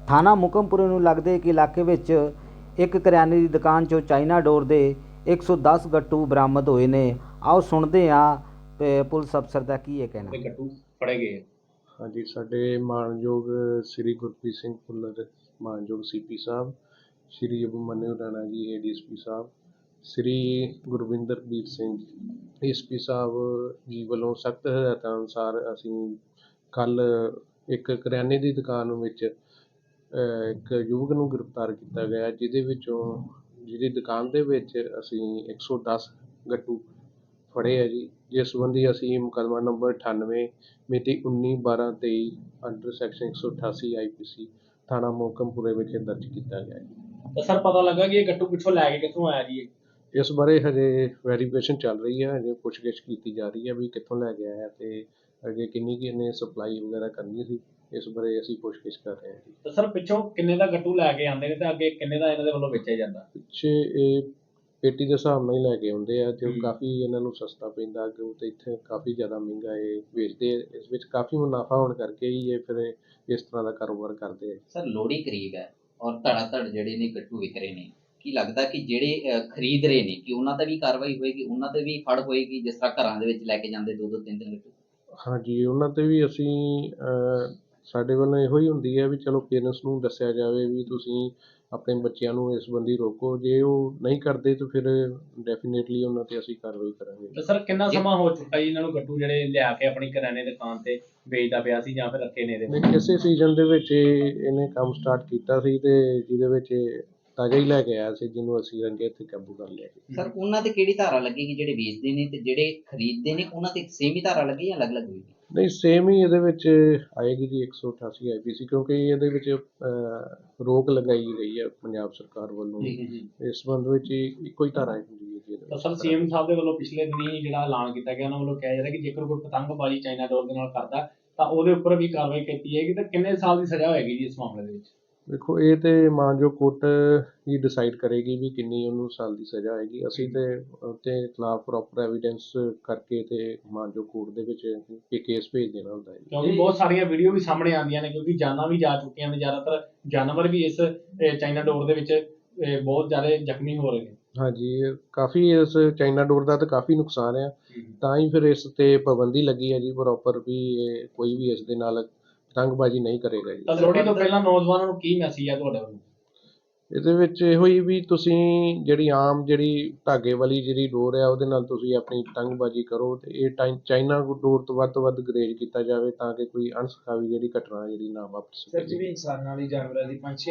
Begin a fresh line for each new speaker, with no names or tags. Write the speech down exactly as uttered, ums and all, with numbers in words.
ਥਾਣਾ ਮੁਕਮਪੁਰੇ ਨੂੰ ਲੱਗਦੇ ਇੱਕ ਇਲਾਕੇ ਵਿੱਚ ਇੱਕ ਕਰਿਆਨੇ ਦੀ ਦੁਕਾਨ 'ਚੋਂ ਚਾਈਨਾ ਡੋਰ ਦੇ ਇੱਕ ਸੌ ਦਸ ਗੱਟੂ ਬਰਾਮਦ ਹੋਏ ਨੇ। ਆਓ ਸੁਣਦੇ ਹਾਂ ਪੁਲਿਸ ਅਫਸਰ ਦਾ ਕੀ ਇਹ ਕਹਿਣਾ।
ਗੱਟੂ ਫੜੇ ਗਏ।
ਹਾਂਜੀ, ਸਾਡੇ ਮਾਣਯੋਗ ਸ੍ਰੀ ਗੁਰਪ੍ਰੀਤ ਸਿੰਘ ਭੁੱਲਰ ਮਾਣਯੋਗ ਸੀ ਪੀ ਸਾਹਿਬ, ਸ੍ਰੀ Abhimanyu Rana ji A D S P ਸਾਹਿਬ, ਸ੍ਰੀ ਗੁਰਵਿੰਦਰਬੀਰ ਸਿੰਘ ਐਸ ਪੀ ਸਾਹਿਬ ਜੀ ਵੱਲੋਂ ਸਖਤ ਹਦਾਇਤਾਂ ਅਨੁਸਾਰ ਅਸੀਂ ਕੱਲ੍ਹ ਇੱਕ ਕਰਿਆਨੇ ਦੀ ਦੁਕਾਨ ਵਿੱਚ ਇੱਕ ਯੁਵਕ ਨੂੰ ਗ੍ਰਿਫਤਾਰ ਕੀਤਾ ਗਿਆ, ਜਿਹਦੇ ਵਿੱਚੋਂ ਜਿਹਦੀ ਦੁਕਾਨ ਦੇ ਵਿੱਚ ਅਸੀਂ ਇੱਕ ਸੌ ਦਸ ਗੱਟੂ ਫੜੇ ਆ ਜੀ। ਜਿਸ ਸੰਬੰਧੀ ਅਸੀਂ ਮੁਕੱਦਮਾ ਨੰਬਰ ਅਠਾਨਵੇਂ ਮਿਤੀ ਉੱਨੀ ਬਾਰਾਂ ਤੇਈ ਅੰਡਰ ਸੈਕਸ਼ਨ ਇੱਕ ਸੌ ਅਠਾਸੀ ਆਈ ਪੀ ਸੀ ਥਾਣਾ ਮੋਕਮਪੁਰੇ ਵਿਖੇ ਦਰਜ ਕੀਤਾ ਗਿਆ ਜੀ।
ਤਾਂ ਸਰ ਪਤਾ ਲੱਗਾ ਕਿ ਇਹ ਗੱਟੂ ਪਿੱਛੋਂ ਲੈ ਕੇ ਕਿੱਥੋਂ ਆਇਆ ਜੀ?
ਇਸ ਬਾਰੇ ਹਜੇ ਵੈਰੀਫਿਕੇਸ਼ਨ ਚੱਲ ਰਹੀ ਹੈ, ਹਜੇ ਪੁੱਛਗਿੱਛ ਕੀਤੀ ਜਾ ਰਹੀ ਹੈ ਵੀ ਕਿੱਥੋਂ ਲੈ ਕੇ ਆਇਆ ਤੇ ਅੱਗੇ ਕਿੰਨੀ ਕੁ ਇਹਨੇ ਸਪਲਾਈ ਵਗੈਰਾ ਕਰਨੀ ਸੀ, ਇਸ ਬਾਰੇ ਅਸੀਂ ਪੁੱਛਗਿੱਛ ਕਰ ਰਹੇ ਹਾਂ ਜੀ।
ਤਾਂ ਸਰ ਪਿੱਛੋਂ ਕਿੰਨੇ ਦਾ ਗੱਟੂ ਲੈ ਕੇ ਆਉਂਦੇ ਨੇ ਤੇ ਅੱਗੇ ਕਿੰਨੇ ਦਾ ਇਹਨਾਂ ਦੇ ਵੱਲੋਂ ਵੇਚਿਆ ਜਾਂਦਾ?
ਪਿੱਛੇ ਇਹ ਪੇਟੀ ਦੇ ਹਿਸਾਬ ਨਾਲ ਹੀ ਲੈ ਕੇ ਆਉਂਦੇ ਆ ਤੇ ਕਾਫੀ ਇਹਨਾਂ ਨੂੰ ਸਸਤਾ ਪੈਂਦਾ ਅੱਗੇ ਤੇ ਇੱਥੇ ਕਾਫੀ ਜ਼ਿਆਦਾ ਮਹਿੰਗਾ ਇਹ ਵੇਚਦੇ ਆ। ਇਸ ਵਿੱਚ ਕਾਫੀ ਮੁਨਾਫਾ ਹੋਣ ਕਰਕੇ ਹੀ ਇਹ ਫਿਰ ਇਸ ਤਰ੍ਹਾਂ ਦਾ ਕਾਰੋਬਾਰ ਕਰਦੇ ਆ।
ਸਰ ਲੋਹੜੀ ਕਰੀਬ ਹੈ ਔਰ ਧੜਾ ਧੜ ਜਿਹੜੇ ਨੇ ਗੱਟੂ ਵਿਕ ਰਹੇ ਨੇ, ਕੀ ਲੱਗਦਾ ਕਿ ਜਿਹੜੇ ਖਰੀਦ ਰਹੇ ਨੇ ਕਿ ਉਹਨਾਂ ਤੇ ਵੀ ਕਾਰਵਾਈ ਹੋਏਗੀ, ਉਹਨਾਂ ਤੇ ਵੀ ਫੜ ਹੋਏਗੀ, ਜਿਸ ਤਰ੍ਹਾਂ ਘਰਾਂ ਦੇ ਵਿੱਚ ਲੈ ਕੇ ਜਾਂਦੇ ਦੋ ਦੋ ਤਿੰਨ ਤਿੰਨ ਗੱਟੂ?
ਹਾਂਜੀ, ਉਹਨਾਂ ਤੇ ਵੀ ਅਸੀਂ ਸਾਡੇ ਵੱਲੋਂ ਇਹੋ ਹੀ ਹੁੰਦੀ ਹੈ ਵੀ ਚਲੋ ਪੇਰੈਂਟਸ ਨੂੰ ਦੱਸਿਆ ਜਾਵੇ ਵੀ ਤੁਸੀਂ ਆਪਣੇ ਬੱਚਿਆਂ ਨੂੰ ਇਸ ਸੰਬੰਧੀ ਰੋਕੋ, ਜੇ ਉਹ ਨਹੀਂ ਕਰਦੇ ਤਾਂ ਫਿਰ ਡੈਫੀਨੇਟਲੀ ਉਹਨਾਂ ਤੇ ਅਸੀਂ ਕਾਰਵਾਈ ਕਰਾਂਗੇ।
ਤਾਂ ਸਰ ਕਿੰਨਾ ਸਮਾਂ ਹੋ ਚੁੱਕਾ ਜੀ ਇਹਨਾਂ ਨੂੰ ਗੱਟੂ ਜਿਹੜੇ ਲਿਆ ਕੇ ਆਪਣੀ ਕਰਿਆਨੇ ਦੀ ਦੁਕਾਨ ਤੇ ਵੇਚਦਾ ਪਿਆ ਸੀ ਜਾਂ ਫਿਰ ਰੱਖੇ ਨੇ ਇਹਦੇ ਵਿੱਚ?
ਇਸੇ ਸੀਜ਼ਨ ਦੇ ਵਿੱਚ ਇਹਨੇ ਕੰਮ ਸਟਾਰਟ ਕੀਤਾ ਸੀ ਤੇ ਜਿਹਦੇ ਵਿੱਚ ਤਾਜ਼ਾ ਹੀ ਲੈ ਕੇ ਆਇਆ ਸੀ, ਜਿਹਨੂੰ ਅਸੀਂ ਰੰਗੇ ਹੱਥੀਂ ਕਾਬੂ ਕਰ ਲਿਆ।
ਸਰ ਉਹਨਾਂ ਤੇ ਕਿਹੜੀ ਧਾਰਾ ਲੱਗੇਗੀ? ਜਿਹੜੇ ਵੇਚਦੇ ਨੇ ਤੇ ਜਿਹੜੇ ਖਰੀਦਦੇ ਨੇ ਉਹਨਾਂ ਤੇ ਸੇਮ ਹੀ ਧਾਰਾ ਲੱਗੀ ਜਾਂ ਅਲੱਗ-ਅਲੱਗ ਹੋਏਗੀ?
ਨਹੀਂ, ਸੇਮ ਹੀ ਇਹਦੇ ਵਿੱਚ ਆਏਗੀ ਜੀ ਇੱਕ ਸੌ ਅਠਾਸੀ ਆਈ ਪੀ ਸੀ, ਕਿਉਂਕਿ ਇਹਦੇ ਵਿੱਚ ਰੋਕ ਲਗਾਈ ਗਈ ਹੈ ਪੰਜਾਬ ਸਰਕਾਰ ਵੱਲੋਂ। ਇਸ ਸੰਬੰਧ ਵਿੱਚ ਇੱਕੋ ਹੀ ਧਾਰਾ ਹੁੰਦੀ ਹੈ ਜੀ।
ਤਾਂ ਸਰ ਸੀ ਐਮ ਸਾਹਿਬ ਦੇ ਵੱਲੋਂ ਪਿਛਲੇ ਦਿਨੀ ਜਿਹੜਾ ਐਲਾਨ ਕੀਤਾ ਗਿਆ, ਉਹਨਾਂ ਵੱਲੋਂ ਕਿਹਾ ਜਾ ਰਿਹਾ ਕਿ ਜੇਕਰ ਕੋਈ ਪਤੰਗਬਾਜ਼ੀ ਚਾਈਨਾ ਡੋਰ ਦੇ ਨਾਲ ਕਰਦਾ ਤਾਂ ਉਹਦੇ ਉੱਪਰ ਵੀ ਕਾਰਵਾਈ ਕੀਤੀ ਜਾਏਗੀ। ਤਾਂ ਕਿੰਨੇ ਸਾਲ ਦੀ ਸਜ਼ਾ ਹੋਏਗੀ ਜੀ ਇਸ ਮਾਮਲੇ ਦੇ ਵਿੱਚ?
ਦੇਖੋ, ਇਹ ਤੇ ਮਾਨਯੋਗ ਕੋਰਟ ਹੀ ਡਿਸਾਈਡ ਕਰੇਗੀ ਵੀ ਕਿੰਨੀ ਉਹਨੂੰ ਸਾਲ ਦੀ ਸਜ਼ਾ ਹੋਏਗੀ। ਅਸੀਂ ਤੇ ਉਹਦੇ ਖਿਲਾਫ ਪ੍ਰੋਪਰ ਐਵੀਡੈਂਸ ਕਰਕੇ ਤੇ ਮਾਨਯੋਗ ਕੋਰਟ ਦੇ ਵਿੱਚ ਇਹ ਕੇਸ ਭੇਜ ਦੇਣਾ ਹੁੰਦਾ ਹੈ।
ਕਿਉਂਕਿ ਬਹੁਤ ਸਾਰੀਆਂ ਵੀਡੀਓ ਵੀ ਸਾਹਮਣੇ ਆਉਂਦੀਆਂ ਨੇ, ਕਿਉਂਕਿ ਜਾਨਾਂ ਵੀ ਜਾ ਚੁੱਕੀਆਂ ਨੇ, ਜ਼ਿਆਦਾਤਰ ਜਾਨਵਰ ਵੀ ਇਸ ਚਾਈਨਾ ਡੋਰ ਦੇ ਵਿੱਚ ਬਹੁਤ ਜ਼ਿਆਦਾ ਜ਼ਖਮੀ ਹੋ ਰਹੇ ਨੇ। ਹਾਂਜੀ,
ਕਾਫੀ ਇਸ ਚਾਈਨਾ ਡੋਰ ਦਾ ਤਾਂ ਕਾਫੀ ਨੁਕਸਾਨ ਆ, ਤਾਂ ਹੀ ਫਿਰ ਇਸ ਤੇ ਪਾਬੰਦੀ ਲੱਗੀ ਹੈ ਜੀ ਪ੍ਰੋਪਰ ਵੀ ਇਹ ਕੋਈ ਵੀ ਇਸ ਦੇ ਨਾਲ ਪਤੰਗਬਾਜ਼ੀ ਨਹੀਂ ਕਰੇਗਾ ਜੀ।
ਤਾਂ ਲੋਹੜੀ ਤੋਂ ਪਹਿਲਾਂ ਨੌਜਵਾਨਾਂ ਨੂੰ ਕੀ ਮੈਸੇਜ ਹੈ ਤੁਹਾਡੇ ਵੱਲੋਂ?
ਇਹਦੇ ਵਿੱਚ ਇਹੋ ਹੀ ਵੀ ਤੁਸੀਂ ਜਿਹੜੀ ਆਮ ਜਿਹੜੀ ਧਾਗੇ ਵਾਲੀ ਜਿਹੜੀ ਡੋਰ ਆ ਉਹਦੇ ਨਾਲ ਤੁਸੀਂ ਆਪਣੀ ਪਤੰਗਬਾਜ਼ੀ ਕਰੋ ਤੇ ਇਹ ਟਾਈ ਚਾਈਨਾ ਡੋਰ ਤੋਂ ਵੱਧ ਤੋਂ ਵੱਧ ਗਰੇਜ ਕੀਤਾ ਜਾਵੇ ਤਾਂ ਕਿ ਕੋਈ ਅਣਸੁਖਾਵੀ ਜਿਹੜੀ ਘਟਨਾ ਜਿਹੜੀ ਨਾ ਵਾਪਰ ਸਕੇ।
ਇਨਸਾਨਾਂ ਲਈ ਜਾਨਵਰਾਂ ਦੀ ਪੰਛੀ